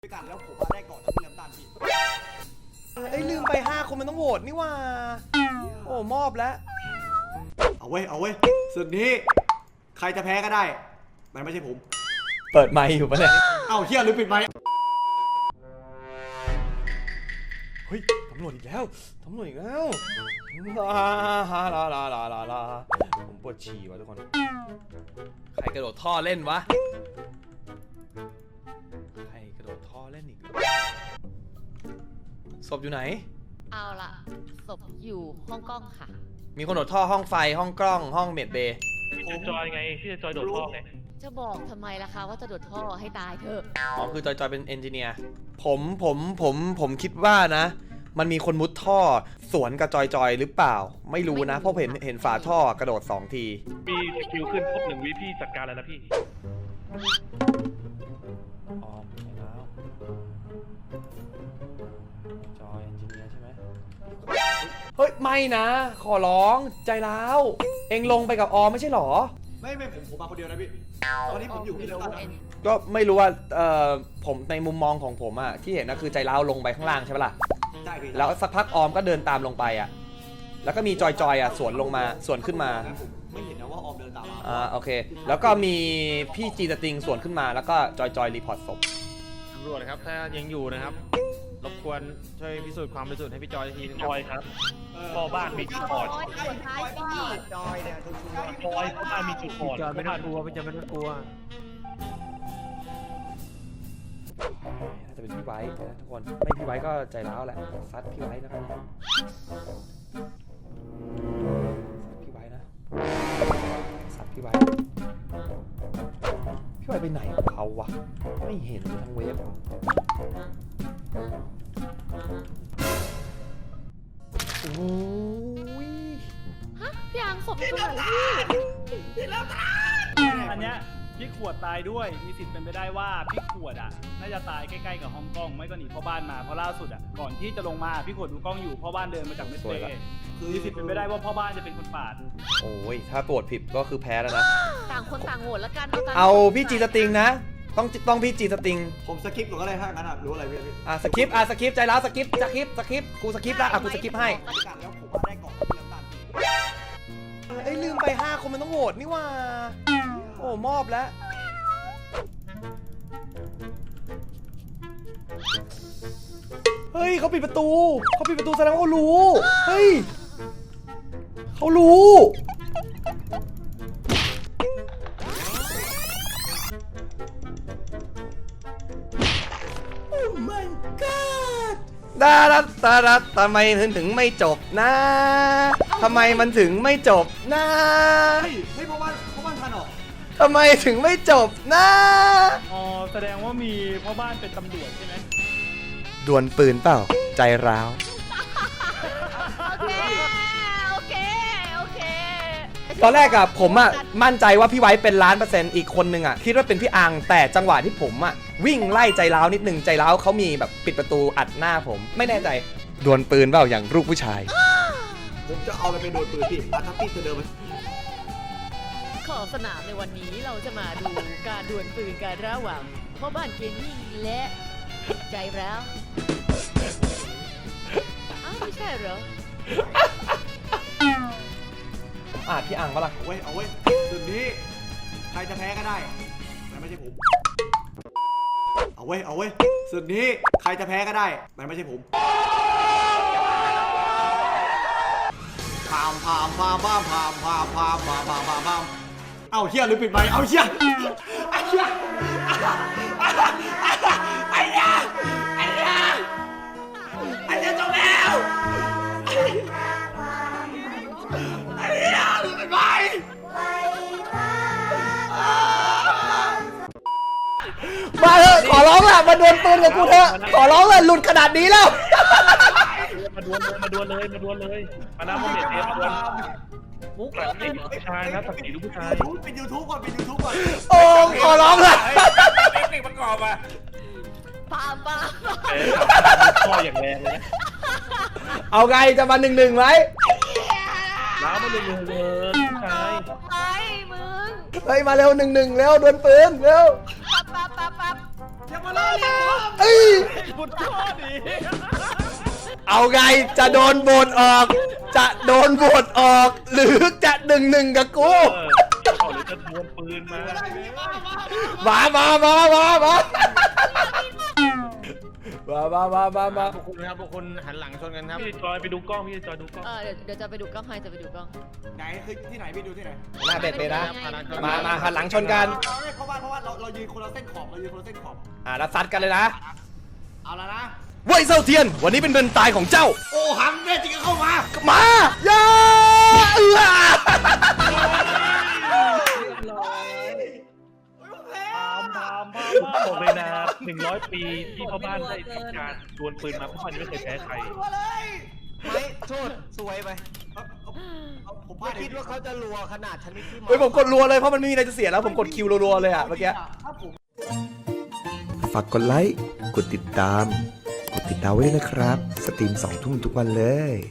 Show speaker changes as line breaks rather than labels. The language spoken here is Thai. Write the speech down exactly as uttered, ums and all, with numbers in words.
ด้วยกันแล้วผมมาได้ก่อนแล้วพี่น้ำตาลพี่
เอ้ยลืมไปห้าคนมันต้องโหวตนี่ว่าโอ้มอบแล้ว
เอาเว้ยเอาเว้ยสุดนี้ใครจะแพ้ก็ได้มันไม่ใช่ผม
เปิดไมค์อยู่ปะเนี่ย
เอ้าเฮียหรือปิดไมค์
เฮ้ยตำรวจอีกแล้วตำรวจอีกแล้วลาลาลาลาลาลาลาผมปวดฉี่ว่ะทุกคนใครกระโดดท่อเล่นวะใครกระโดดท่อเล่นอีกศพอยู่ไหน
เอาล่ะศพอยู่ห้องกล้องค่ะ
มีคนโดดท่อห้องไฟห้องกล้องห้องเมดเบย์
พี่จะจอยไงพี่จะจอยโดดท่อไง
จะบอกทำไมล่ะคะว่าจะโดดท่อให้ตายเถอะ
อ๋อคือจอยจอยเป็นเอนจิเนียร์ผมผมผมผมคิดว่านะมันมีคนมุดท่อสวนกับจอยจอยหรือเปล่าไม่รู้นะเพราะเห็นเห็นฝาท่อกระโดดสองที
มีสกิลขึ้นครบหนึ่งวิพี่จัดการแล้วนะพี่
ออมใช่แล้วจอยเอนจิเนียร์ใช่ไหมเฮ้ยไม่นะขอร้องใจร้าวเอ็งลงไปกับออมไม่ใช่หรอ
ไม่ไม่ผมผมมาคนเดียวนะพี่ตอนนี้ผมอยู่ที่น้ำตาล
ก็ไม่รู้ว่าเอ่อผมในมุมมองของผมอะที่เห็นนะคือใจร้าวลงไปข้างล่างใช่ไหมล่ะ
ใช่พี่
แล้วสักพักออมก็เดินตามลงไปอะแล้วก็มีจอยจอยอะสวนลงมาสวนขึ้นมา
ไม่เห็นนะว่าออมเดินตามมา
อ่าโอเคแล้วก็มีพี่จีสติงสวนขึ้นมาแล้วก็จอยจอยรีพอร์ตศพ
ตำรวจนะครับถ้ายังอยู่นะครับรบกวนช่วยพิสูจน์ความบริสุทธิ์ให้พี่จอยทีนึง
จอยครับพ่อบ้านมีจุดบอด
จอยเนี่ยทุกคน
จอยพ่อบ้านมีจุดบอด
จอยไม่ต้องกลัวพี่จอยไม่ต้องกลัว
น่าจะเป็นพี่ไว้นะทุกคนไม่พี่ไว้ก็ใจร้าวแหละซัดพี่ไว้นะครับซัดพี่ไว้นะซัดพี่ไว้พี่ไว้ไปไหนของเขาวะไม่เห็นทั้งเว็บโอ้ย
ฮะพี่อังศพอยู่ตรงไหนพี่
อันเนี้ยพี่ขวดตายด้วยมีสิทธิ์เป็นไปได้ว่าพี่ขวดอ่ะน่าจะตายใกล้ๆกับห้องกล้องไม่ก็หนีพ่อบ้านมาเพราะล่าสุดอ่ะก่อนที่จะลงมาพี่ขวดดูกล้องอยู่พ่อบ้านเดินมาจากเมสเซ่มีสิทธิ์เป็นไปได้ว่าพ่อบ้านจะเป็นคนปาด
โอ้ยถ้าโปรดผิดก็คือแพ้แล้วนะ
ต่างคนต่างโหวตแล้วกัน
เอาพี่จีสติงนะต้องต้องพี่จีสติง
ผมสกิปก่อนก็ได้ถ้างั้นอ่ะรู้อะไรพี่
อ่ะสกิปอ่ะสกิปใจร้าวสกิปสกิปสกิปกูสกิปละอ่ะกูสกิปให้
แล้วผมมาได้ก่อนแล้วพี่น้ำตาล
เอ้ยลืมไปห้าคนมันต้องโหวตนี่ว่าโอ้มอบแล้วเฮ้ยเขาปิดประตูเขาปิดประตูแสดงว่าเขารู้เฮ้ยเขารู้โอ้ my god ดาดัดาดัดทำไมถึงถึงไม่จบนะทำไมมันถึงไม่จบนะ
เฮ้ยเฮ้ยพ่อบ้านพ่อบ้านทันหรอ
ทำไมถึงไม่จบนะ
อ๋อแสดงว่ามีพ่อบ้านเป็นตำรวจใช่ไหม
ดวลปืนเปล่าใจร้าว
โอเคโอเคโอเค
ตอนแรกอะผมอะมั่นใจว่าพี่ไว้เป็นล้านเปอร์เซ็นต์อีกคนนึงอะคิดว่าเป็นพี่อังแต่จังหวะที่ผมอะวิ่งไล่ใจร้าวนิดนึงใจร้าวเขามีแบบปิดประตูอัดหน้าผมไม่แน่ใจดวลปืนเปล่าอย่างลูกผู้ชาย
ผมจะเอาไปเป็นโดนปืนพี่อาทัพปี้ตัวเดิม
ขอสนามในวันนี้เราจะมาดูการดวลปืนกันระหว่างพ่อบ้านเกมมิ่งและใจร้าวอ้าวไม่ใช่เหรอ
ผมอ่านพี่อังปะล่ะ
เอาไว้เอาไว้สุดนี้ใครจะแพ้ก็ได้แต่ไม่ใช่ผมเอาไว้เอาไว้สุดนี้ใครจะแพ้ก็ได้แต่ไม่ใช่ผมพามพามพามพามพามพามพามพามพามพามพามเอาเชี่ยหรือปิดไมค์เอาเชี่ยไอ้เชี่ยไอ้เชี่ยไอ้เชี่ยไอ้เชี่ยจบแล้วไอ้เชี่ยหรือปิดไมค์
มาเถอะขอร้องแหละมาดวลปืนกับกูเถอะขอร้องเลยหลุดขนาดนี้แล้ว
มาดวลเลยมาดวลเลยมาดวลเลยมาน้ำมันเด็ดเด็ดมาดวลมุกหลังไม่ผู้ชายนะตัดสีลูกผู้ชาย
เป็นยูทูบก่อนเป็นยูทูบก่อน
โอ้ขอร้องเลย
เทคนิคประกอบอ่ะ
ปาปา
ข้ออย่างแรงเลย
เอาไงจะมาหนึ่งหนึ่งไหม
น้ำมันเลยเลยผู้ชาย
ไปมึง
เฮ้ยมาเร็วหนึ่งหนึ่งเร็วดวลปืนเร็ว
ปั๊บปั๊บปั๊บปั๊บ
อย่ามาล่อเลยผม
เอ้ย
บุญโทษดิ
เอาไงจะโดนโหวตออก จะโดนโหวตออก หรือจะหนึ่งหนึ่งกับกู
เออเอาหรือจะดวลปืนมา
มามามามามามามามามามา
พวกคุณนะครับพวกคุณหันหลังชนกันครับ
พี่จอยไปดูกล้องพี่จอยดูกล้อง
เออเดี๋ยวเดี๋ยวจะไปดูกล้องให้จะไปดูกล้อง
ไหนคือที่ไหนพี่ดูที่ไหน
หน้าเบ็ดเลยนะ
ไม่ได้
มามาหันหลังชนกัน
เอาไม่เพราะว่าเพราะว่าเราเรายืนคนละเส้นขอบเรายืนคนละเส้นขอบ
อ่ะแล้วซัดกันเลยนะ
เอาละนะ
เว่ยเซาเทียน วันนี้เป็นเดินตายของเจ้า
โอ้หังแน่จริงก็เข้ามา
มาอย่าเอื้อ
พามพามพาม
ผมบอกเลยนะหนึ่งร้อยปีที่พ่อบ้านได้ทำการดวลปืนมาพ่อบ้านยังไม่เคยแพ้ใคร
ตัวเลย
ไม่โทษสวยไป
เอาเอาเอาผม
ไม่คิดว่าเขาจะรัวขนาดชนิดที่
เฮ้ยผมกดรัวเลยเพราะมันไม่มีอะไรจะเสียแล้วผมกดคิวรัวๆเลยอ่ะเมื่อกี้
ถ้าผม
ฝากกดไลค์ กดติดตาม กดติดดาวไว้ด้วยนะครับ สตรีมสองทุ่มทุกวันเลย